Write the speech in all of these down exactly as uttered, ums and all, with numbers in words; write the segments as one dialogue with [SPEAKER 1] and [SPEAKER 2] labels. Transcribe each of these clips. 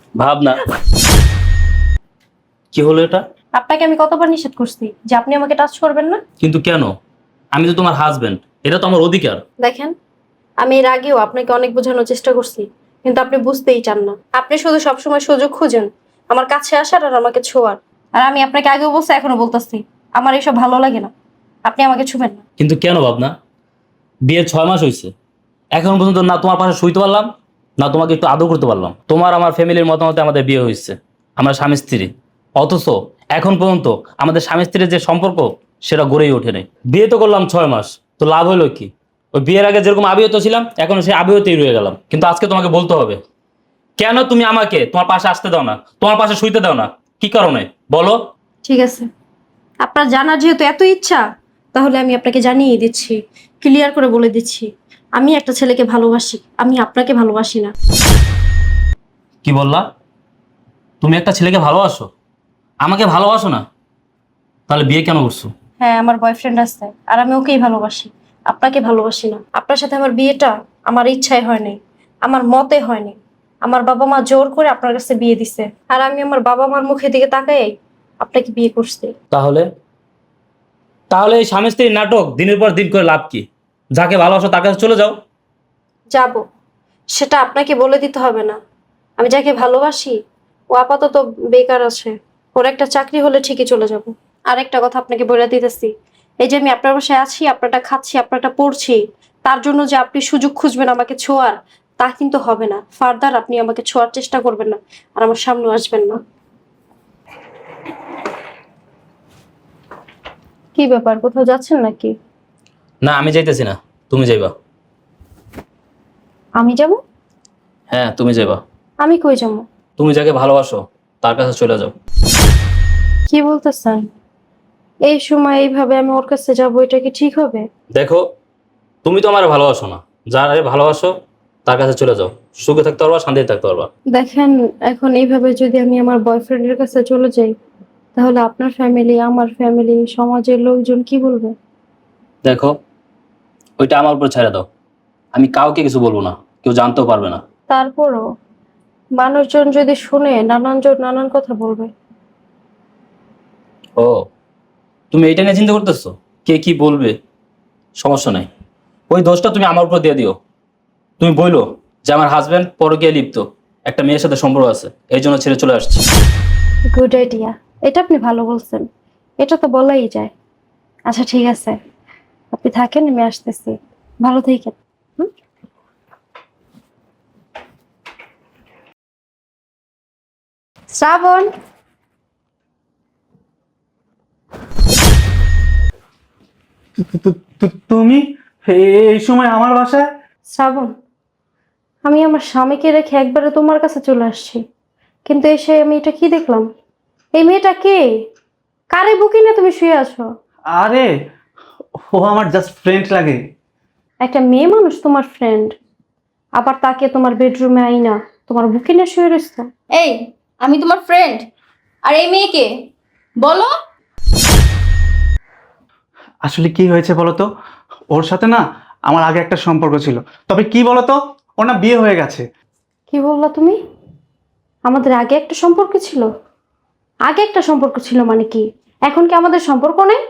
[SPEAKER 1] ভাবনা, কি হলো এটা?
[SPEAKER 2] আপনাকে আমি কতবার নিষেধ করছি যে আপনি আমাকে টাচ করবেন না?
[SPEAKER 1] কিন্তু কেন? আমি তো তোমার হাজবেন্ড, এটা তো আমার অধিকার।
[SPEAKER 2] দেখেন, আমি এর আগেও আপনাকে অনেক বোঝানোর চেষ্টা করছি, কিন্তু আপনি বুঝতেই চান না। আপনি শুধু সবসময় সুযোগ খুঁজেন আমার কাছে আসার আর আমাকে ছোঁয়ার। আর আমি আপনাকে আগেও বলছি, এখনো বলতেছি, আমার এসব ভালো লাগে না। আপনি আমাকে ছুবেন না।
[SPEAKER 1] কিন্তু কেন ভাবনা? বিয়ের ছয় মাস হয়েছে, এখন পর্যন্ত না তোমার পাশে শুইতে পারলাম, না তোমাকে একটু আদর করতে পারলাম। তোমার আমার ফ্যামিলির মতামতে আমাদের বিয়ে হয়েছে, আমরা স্বামী স্ত্রী। অথচ এখন পর্যন্ত আমাদের স্বামী স্ত্রীর যে সম্পর্ক সেটা গড়েই ওঠে নাই। বিয়ে তো করলাম ছয় মাস, তো লাভ হলো কি? ওই বিয়ের আগে যেরকম আবিহত ছিলাম, এখন সেই আবিহতেই রয়ে গেলাম। কিন্তু আজকে তোমাকে বলতে হবে, কেন তুমি আমাকে তোমার পাশে আসতে দাও না, তোমার পাশে শুইতে দাও না? কি কারণে বলো?
[SPEAKER 2] ঠিক আছে, আপনার জানার যেহেতু এত ইচ্ছা, তাহলে আমি আপনাকে জানিয়ে দিচ্ছি, ক্লিয়ার করে বলে দিচ্ছি, আমি একটা ছেলেকে ভালোবাসি, আমি আপনাকে ভালোবাসি না।
[SPEAKER 1] কি বললা? তুমি একটা ছেলেকে ভালোবাসো, আমাকে ভালোবাসো না? তাহলে বিয়ে কেন করছো?
[SPEAKER 2] হ্যাঁ, আমার বয়ফ্রেন্ড আছে, আর আমি ওকেই ভালোবাসি, আপনাকে ভালোবাসি না। আপনার সাথে আমার বিয়েটা আমার ইচ্ছায় হয়নি, আমার মতে হয়নি। আমার বাবা মা জোর করে আপনার কাছে বিয়ে দিছে, আর আমি আমার বাবা মার মুখের দিকে তাকাই আপনাকে বিয়ে করছি।
[SPEAKER 1] তাহলে তাহলে এই স্বামী স্ত্রীর নাটক দিনের পর দিন করে লাভ কি? যাকে ভালোবাসো তার কাছে চলে যাও।
[SPEAKER 2] যাব, সেটা আপনাকে বলে দিতে হবে না। আমি যাকে ভালোবাসি ও আপাতত বেকার আছে, ওর একটা চাকরি হলে ঠিকই চলে যাব। আর একটা কথা আপনাকে বলে দিতেছি, এই যে আমি আপনার বাসায় আছি, আপনারটা খাচ্ছি, আপনারটা পড়ছি, তার জন্য যে আপনি সুযোগ খুঁজবেন আমাকে ছোঁয়ার, তা কিন্তু হবে না। ফার্দার আপনি আমাকে ছোঁয়ার চেষ্টা করবেন না, আর আমার সামনে আসবেন না। কি ব্যাপার, কোথাও যাচ্ছেন নাকি?
[SPEAKER 1] না, আমি যাইতেছি না, তুমি যাইবা।
[SPEAKER 2] আমি যাব?
[SPEAKER 1] হ্যাঁ, তুমি যাইবা।
[SPEAKER 2] আমি কই যাবো?
[SPEAKER 1] তুমি যাকে ভালোবাসো তার কাছে চলে যাও।
[SPEAKER 2] কি বলতেছেন? এই সময় এইভাবে আমি ওর কাছে যাবো, এটা কি ঠিক হবে?
[SPEAKER 1] দেখো, তুমি তো আমার ভালোবাসো না, যারে ভালোবাসো তার কাছে চলে যাও। সুখে থাকতে পারবা, শান্তিতে থাকতে পারবা।
[SPEAKER 2] দেখেন, এখন এইভাবে যদি আমি আমার বয়ফ্রেন্ডের কাছে চলে যাই, তাহলে আপনার ফ্যামিলি, আমার ফ্যামিলি, সমাজের লোকজন কি বলবে?
[SPEAKER 1] দেখো, ওইটা আমার উপর ছেড়ে দাও। আমি কাউকে কিছু বলবো না, কেউ জানতেও পারবে না।
[SPEAKER 2] তারপরও মানুষজন যদি শুনে, নানানজন নানান কথা বলবে।
[SPEAKER 1] ও, তুমি এইটা নিয়ে চিন্তা করতেছো কে কি বলবে? সমস্যা নাই, ওই দোষটা তুমি আমার উপর দিয়ে দিও। তুমি বইলো যে আমার হাজবেন্ড পরকীয়ায় লিপ্ত, একটা মেয়ের সাথে সম্পর্ক আছে, এই জন্য ছেড়ে চলে আসছে।
[SPEAKER 2] গুড আইডিয়া, এটা আপনি ভালো বলছেন, এটা তো বলাই যায়। আচ্ছা ঠিক আছে, আপনি থাকেন, আমি আসতেছি। ভালো থাকেন। হুম। শ্রাবণ,
[SPEAKER 3] তু- তু- তু- তুমি এই সময় আমার বাসায়?
[SPEAKER 2] শ্রাবণ, আমি আমার স্বামীকে রেখে একবারে তোমার কাছে চলে আসছি, কিন্তু এসে আমি এটা কি দেখলাম? এই মেয়েটা কে? কারে বুকি না তুমি শুয়ে আছো?
[SPEAKER 3] আরে, ও আমার জাস্ট ফ্রেন্ড লাগে।
[SPEAKER 2] একটা মেয়ে মানুষ তোমার ফ্রেন্ড, আবার তাকে তোমার বেডরুমে আইনা তোমার বুকে নিয়ে শুয়ে রয়েছে।
[SPEAKER 4] এই, আমি তোমার ফ্রেন্ড, আর এই মেয়েকে বলো।
[SPEAKER 3] আসলে কি হয়েছে বলো তো? ওর সাথে না আমার আগে একটা সম্পর্ক ছিল, তবে কি বলো তো, ওর না বিয়ে হয়ে গেছে।
[SPEAKER 2] কি বললা তুমি? আমাদের আগে একটা সম্পর্ক ছিল? আগে একটা সম্পর্ক ছিল মানে কি? এখন কি আমাদের সম্পর্ক নেই?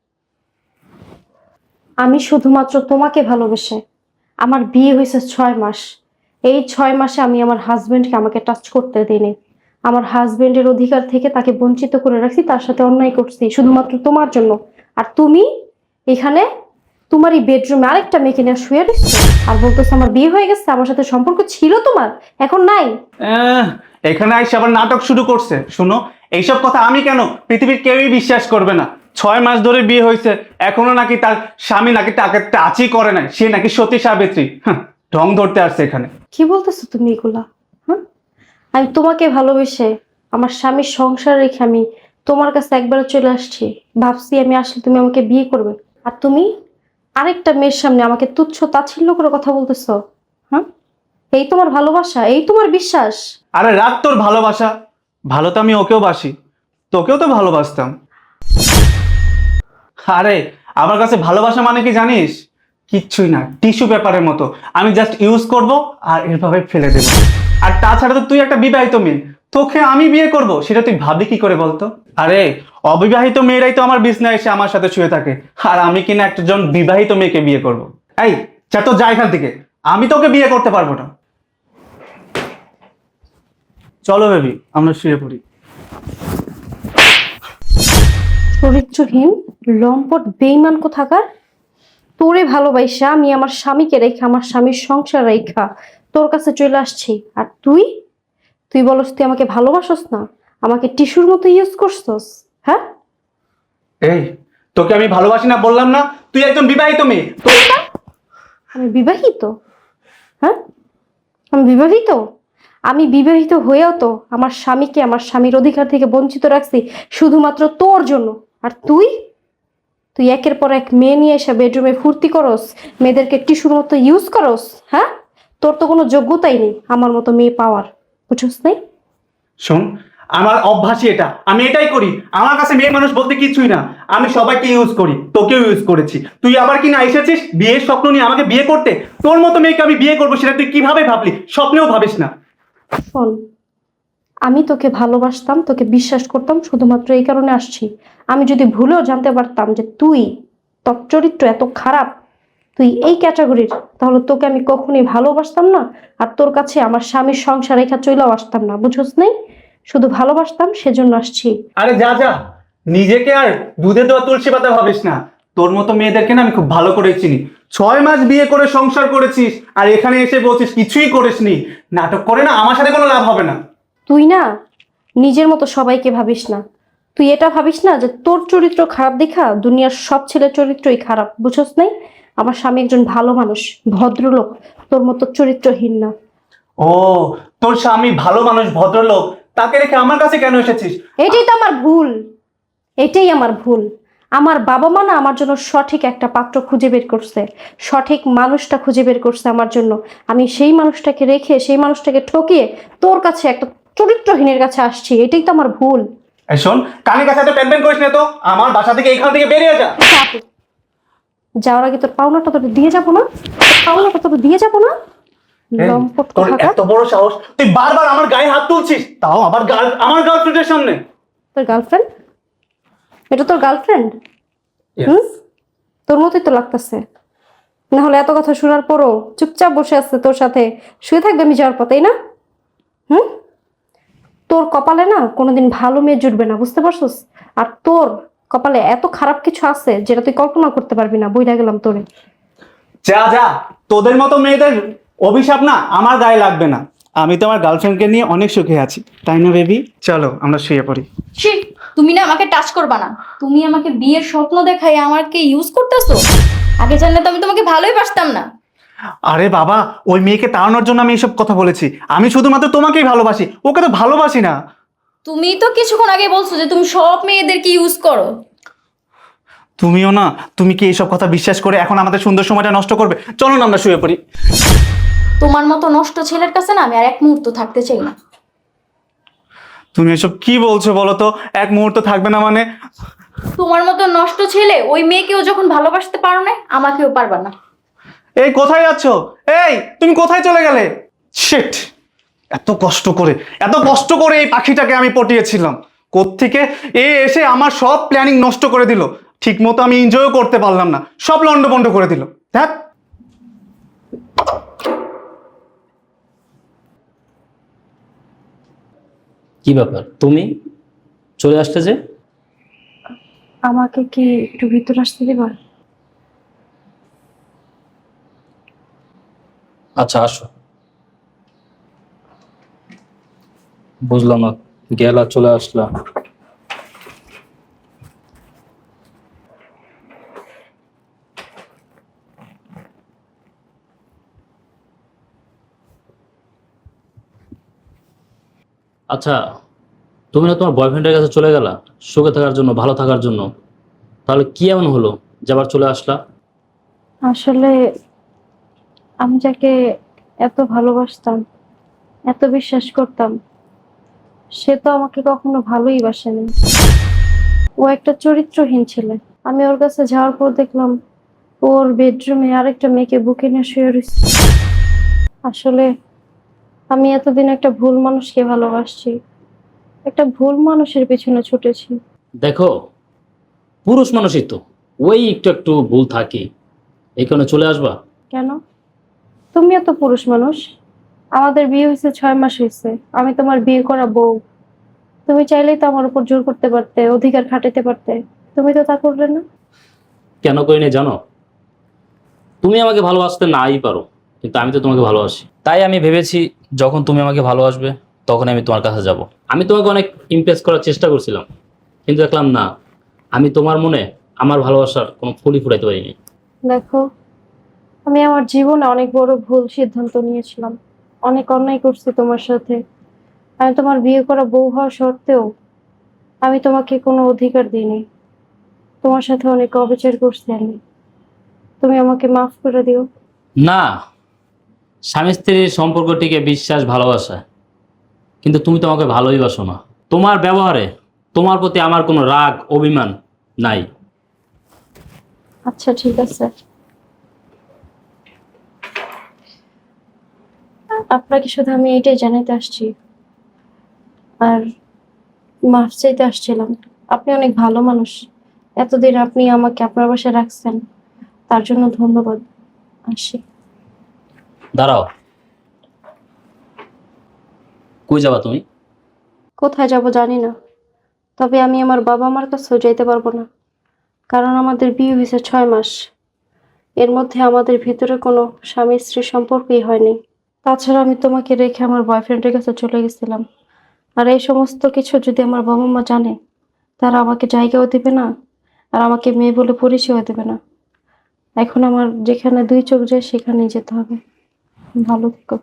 [SPEAKER 2] আমি শুধুমাত্র তোমাকে ভালোবেসে, আমার বিয়ে হয়েছে ছয় মাস, এই ছয় মাসে আমি আমার হাজবেন্ডকে আমাকে টাচ করতে দিইনি। আমার হাজবেন্ডের অধিকার থেকে তাকে বঞ্চিত করে রাখছি, তার সাথে অন্যায় করছি শুধুমাত্র তোমার জন্য। আর তুমি এখানে তোমার এই বেডরুমে আরেকটা মেয়েকে নিয়ে শুয়ে রয়েছো, আর বলতেছো আমার বিয়ে হয়ে গেছে, আমার সাথে সম্পর্ক ছিল তোমার, এখন নাই।
[SPEAKER 3] আহ, এখানে আইসে আবার নাটক শুরু করছে। শোনো, এইসব কথা আমি কেন, পৃথিবীর কেউই বিশ্বাস করবে না। ছয় মাস ধরে বিয়ে হয়েছে, এখনো নাকি তার স্বামী নাকি তাকে টাচই করে নাই, সে নাকি সতী সাবিত্রী। হ্যাঁ, ঢং ধরতে আসছে এখানে।
[SPEAKER 2] কি বলতেছো তুমি এগুলা? হ্যাঁ, আমি তোমাকে ভালোবেসে আমার স্বামীর সংসার রেখে আমি তোমার কাছে একবার চলে আসছি, ভাবছি আমি আসলে তুমি আমাকে বিয়ে করবে, আর তুমি আরেকটা মেয়ের সামনে আমাকে তুচ্ছ তাচ্ছিল্য করে কথা বলতেছো। হ্যাঁ, এই তোমার ভালোবাসা, এই তোমার বিশ্বাস?
[SPEAKER 3] আরে রাখ তোর ভালোবাসা, ভালো তো আমি ওকেও বাসি, তোকেও তো ভালোবাসতাম। আরে আমার কাছে ভালোবাসা মানে কি জানিস? কিচ্ছুই না, টিস্যু পেপারের মতো। আমি জাস্ট ইউজ করব আর এভাবে ফেলে দেবো। আর তাছাড়া তো তুই একটা বিবাহিত মেয়ে, তোকে আমি বিয়ে করব সেটা তুই ভাবলি কি করে বলতো? আরে অবিবাহিত মেয়েরাই তো আমার বিছনায় এসে আমার সাথে শুয়ে থাকে, আর আমি কিনা একজন বিবাহিত মেয়েকে বিয়ে করব? এই যা তো যা এখান থেকে, আমি তোকে বিয়ে করতে পারবো না। চলো বেবি আমরা শুয়ে পড়ি।
[SPEAKER 2] চরিত্রহীন, লম্পট, বেইমান কোথাকার। তোরে ভালোবাসা আমি আমার স্বামীকে রেখা, আমার স্বামীর সংসার রেখা তোর কাছে চলে আসছি, আর তুই তুই বলস তুই আমাকে ভালোবাসস না, আমাকে টিস্যুর মতো ইউজ করছস। হ্যাঁ,
[SPEAKER 3] এই তোকে আমি ভালোবাসি না বললাম না? তুই একজন বিবাহিত মেয়ে। তো-
[SPEAKER 2] আমি বিবাহিত? হ্যাঁ, আমি বিবাহিত? আমি বিবাহিত হয়েও তো আমার স্বামীকে আমার স্বামীর অধিকার থেকে বঞ্চিত রাখছি শুধুমাত্র তোর জন্য। আর তুই তুই একের পর এক মেয়ে নিয়ে এসে বেডরুমে ফুর্তি করস, মেয়েদেরকে টিস্যুর মতো ইউজ করস। হ্যাঁ, তোর তো কোনো যোগ্যতাই নেই আমার মতো মেয়ে পাওয়ার, বুঝছস নাই?
[SPEAKER 3] শোন, আমার অভ্যাসই এটা, আমি এটাই করি। আমার কাছে মেয়ে মানুষ বলতে কিছুই না, আমি সবাইকে ইউজ করি, তোকেও ইউজ করেছি। তুই আবার কি না এসেছিস বিয়ের স্বপ্ন নিয়ে আমাকে বিয়ে করতে? তোর মতো মেয়েকে আমি বিয়ে করবো সেটা তুই কিভাবে ভাবলি? স্বপ্নেও ভাবিস না।
[SPEAKER 2] শোন, আমি তোকে ভালোবাসতাম, তোকে বিশ্বাস করতাম, শুধুমাত্র এই কারণে আসছি। আমি যদি ভুলেও জানতে পারতাম যে তুই, তোর চরিত্র এত খারাপ, তুই এই ক্যাটাগরির, তাহলে তোকে আমি কখনোই ভালোবাসতাম না, আর তোর কাছে আমার স্বামীর সংসার রেখা চলেও আসতাম না, বুঝছস নাই? শুধু ভালোবাসতাম সেজন্য আসছি।
[SPEAKER 3] আরে যা যা, নিজেকে আর দুধে দেওয়া তুলসী পাতা ভাবিস না। তোর মতো মেয়েদেরকে না আমি খুব ভালো করে চিনি। ছয় মাস বিয়ে করে সংসার করেছিস, আর এখানে এসে বলছিস কিছুই করিসনি। নাটক করে না, আমার সাথে কোনো লাভ হবে না।
[SPEAKER 2] তুই না নিজের মতো সবাইকে ভাবিস না, তুই এটা ভাবিস না যে তোর চরিত্র খারাপ দেখা দুনিয়ার সব ছেলের চরিত্রই খারাপ, বুঝছস নাই? আমার স্বামী একজন ভালো মানুষ, ভদ্রলোক, তোর মতো চরিত্রহীন না।
[SPEAKER 3] ও, তোর স্বামী ভালো মানুষ, ভদ্রলোক, তাকে রেখে আমার কাছে কেন এসেছিস?
[SPEAKER 2] এটাই তো আমার ভুল, এটাই আমার ভুল। আমার বাবা মা না আমার জন্য সঠিক একটা পাত্র খুঁজে বের করছে, সঠিক মানুষটা খুঁজে বের করছে আমার জন্য। আমি সেই মানুষটাকে রেখে, সেই মানুষটাকে ঠকিয়ে তোর কাছে একটা চরিত্রহীনের কাছে আসছি, এটাই তো আমার ভুল।
[SPEAKER 3] এই শোন, কানের কাছে এত প্যান প্যান করিস না তো। আমার বাসা থেকে এখান থেকে বেরিয়ে যা।
[SPEAKER 2] চাপ। যাওয়ার আগে তোর পাওনাটা তোর দিয়ে যাবো না, তোর পাওনাটা তোর দিয়ে যাবো না।
[SPEAKER 3] এই,
[SPEAKER 2] লম্পট
[SPEAKER 3] তোর
[SPEAKER 2] কোথাকার।
[SPEAKER 3] এত বড় সাহস, তুই বারবার আমার গায়ে হাত তুলছিস, তাও আবার গার্ল আমার গার্লফ্রেন্ডের সামনে।
[SPEAKER 2] তোর গার্লফ্রেন্ড? এটা তোর গার্লফ্রেন্ড? হুম, তোর মতোই তো লাগতেছে। না হলে এত কথা শোনার পরও চুপচাপ বসে আছে তোর সাথে শুয়ে থাকবে আমি যাওয়ার পর, তাই না? হুম, তোর কপালে না কোনোদিন ভালো মেয়ে জুটবে না, বুঝতে পারছিস? আর তোর কপালে এত খারাপ কিছু আছে যেটা তুই কল্পনা করতে পারবি না, বইটা গেলাম তোরে।
[SPEAKER 3] যা যা, তোদের মতো মেয়েদের অভিশাপ না আমার গায়ে লাগবে না। আমি তো আমার গার্লফ্রেন্ডকে নিয়ে অনেক সুখে আছি, তাই না বেবি? চলো আমরা শুয়ে পড়ি।
[SPEAKER 4] ছি, তুমি না আমাকে টাচ করবা না। তুমি আমাকে বিয়ের স্বপ্ন দেখাই আমাকে ইউজ করতেছো। আগে জানলে তো আমি তোমাকে ভালোই বাসতাম না।
[SPEAKER 3] আরে বাবা, ওই মেয়েকে তাড়ানোর জন্য আমি এইসব কথা বলেছি। আমি শুধুমাত্র তোমাকেই ভালোবাসি, ওকে তো ভালোবাসি না।
[SPEAKER 4] তুমি তো কিছুক্ষণ আগে বলছো যে তুমি সব মেয়েদেরকে ইউজ করো।
[SPEAKER 3] তুমিও না, তুমি কি এইসব কথা বিশ্বাস করে এখন আমাদের সুন্দর সময়টা নষ্ট করবে? চলো না আমরা শুয়ে পড়ি।
[SPEAKER 4] তোমার মতো নষ্ট ছেলের কাছে না আমি আর এক মুহূর্ত থাকতে চাই না।
[SPEAKER 3] তুমি এসব কি বলছো বলো তো? এক মুহূর্ত থাকবে না মানে?
[SPEAKER 4] তোমার মতো নষ্ট ছেলে ওই মেয়েকেও যখন ভালোবাসতে পারো না, আমাকেও পারবা না।
[SPEAKER 3] এই কোথায় যাচ্ছো? এই তুমি কোথায় চলে গেলে? শিট, এত কষ্ট করে এত কষ্ট করে এই পাখিটাকে আমি পটিয়েছিলাম, কোত্থেকে এ এসে আমার সব প্ল্যানিং নষ্ট করে দিল। ঠিক মতো আমি এনজয়ও করতে পারলাম না, সব লন্ডভন্ড করে দিল। দেখ,
[SPEAKER 1] কি ব্যাপার, তুমি চলে আসতে যে?
[SPEAKER 2] আমাকে কি একটু ভিতর আসতে দিবা?
[SPEAKER 1] আচ্ছা আসো। বুঝলাম না, গেলা চলে আসলাম। আচ্ছা, তুমি না তোমার বয়ফ্রেন্ডের কাছে চলে গেলা সুখে থাকার জন্য, ভালো থাকার জন্য, তাহলে কি এমন হলো যে আবার চলে আসলা?
[SPEAKER 2] আসলে আমি যাকে এত ভালোবাসতাম, এত বিশ্বাস করতাম, সে তো আমাকে কখনো ভালোই বাসেনি। ও একটা চরিত্রহীন ছেলে। আমি ওর কাছে যাওয়ার পর দেখলাম ওর বেডরুমে আরেকটা মেয়েকে বুকে নিয়ে শুয়ে রয়েছে। আসলে আমি এতদিন একটা ভুল মানুষকে ভালোবাসছি, একটা ভুল মানুষের পেছনে ছুটেছি।
[SPEAKER 1] দেখো, পুরুষ মানুষই তো, ওই একটু একটু ভুল থাকে, এই কারণে চলে আসবা।
[SPEAKER 2] কেন? তুমিও তো পুরুষ মানুষ। আমাদের বিয়ে হয়েছে ছয় মাস হয়েছে, আমি তোমার বিয়ে করা বউ। তুমি চাইলেই তো আমার উপর জোর করতে পারতে, অধিকার খাটাতে পারতে। তুমি তো তা করলে না।
[SPEAKER 1] কেন করিনি জানো? তুমি আমাকে ভালোবাসতে নাই পারো, কিন্তু আমি তো তোমাকে ভালোবাসি। তাই আমি ভেবেছি যখন তুমি আমাকে ভালোবাসবে তখন আমি তোমার কাছে যাব। আমি তোমাকে অনেক ইমপ্রেস করার চেষ্টা করছিলাম, কিন্তু দেখলাম না, আমি তোমার মনে আমার ভালোবাসার কোনো ফুলই ফুটাইতে পারিনি।
[SPEAKER 2] দেখো, আমি আমার জীবনে অনেক বড় ভুল সিদ্ধান্ত নিয়েছিলাম, অনেক অন্যায় করছি তোমার সাথে। আমি তোমার বিয়ে করা বউ হওয়া সত্ত্বেও আমি তোমাকে কোনো অধিকার দিইনি। তোমার সাথে অনেক অবিচার করছি আমি। তুমি আমাকে মাফ করে দিও।
[SPEAKER 1] না, স্বামী স্ত্রীর সম্পর্কটিকে বিশ্বাস ভালোবাসা, কিন্তু তুমি তো আমাকে ভালোই বাসো না। তোমার ব্যবহারে তোমার প্রতি আমার কোনো রাগ অভিমান নাই।
[SPEAKER 2] আচ্ছা ঠিক আছে, আপনাকে শুধু আমি এটাই জানাতে আসছি, আর মাফ চাইতে আসছিলাম। আপনি অনেক ভালো মানুষ, এতদিন আপনি আমাকে আপনার বাসায় রাখছেন, তার জন্য ধন্যবাদ। আসি।
[SPEAKER 1] দাঁড়াও, কই যাবা তুমি?
[SPEAKER 2] কোথায় যাব জানি না, তবে আমি আমার বাবা মার কাছেও যাইতে পারবো না, কারণ আমাদের বিয়ে হয়েছে ছয় মাস। এর মধ্যে আমাদের ভিতরে কোনো স্বামী স্ত্রীর সম্পর্কই হয়নি। তাছাড়া আমি তোমাকে রেখে আমার বয়ফ্রেন্ডের কাছে চলে গেছিলাম। আর এই সমস্ত কিছু যদি আমার বাবা মা জানে, তারা আমাকে জায়গাও দিবে না, আর আমাকে মেয়ে বলে পরিচয় দেবে না। এখন আমার যেখানে দুই চোখ যায় সেখানেই যেতে হবে। ভালো থেকো।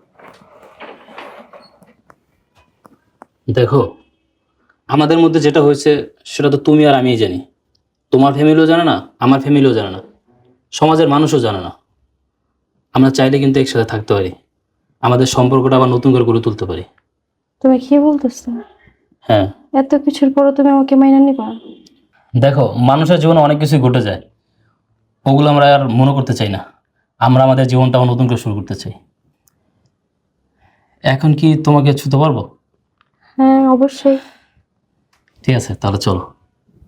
[SPEAKER 1] দেখো, আমাদের মধ্যে যেটা হয়েছে সেটা তো তুমি আর আমিই জানি। তোমার ফ্যামিলিও জানে না, আমার ফ্যামিলিও জানে না, সমাজের মানুষও জানে না। আমরা চাইলে কিন্তু একসাথে থাকতে পারি, আমাদের সম্পর্কটা আবার নতুন করে গড়ে তুলতে পারি।
[SPEAKER 2] তুমি কি বলতেছো?
[SPEAKER 1] হ্যাঁ,
[SPEAKER 2] এত কিছুর পরও তুমি আমাকে মাইনা নিবা?
[SPEAKER 1] দেখো, মানুষের জীবনে অনেক কিছুই ঘটে যায়, ওগুলো আমরা আর মনে করতে চাই না। আমরা আমাদের জীবনটাও নতুন করে শুরু করতে চাই। এখন কি তোমাকে ছুতে পারবো?
[SPEAKER 2] হ্যাঁ অবশ্যই।
[SPEAKER 1] ঠিক আছে, তাহলে চলো।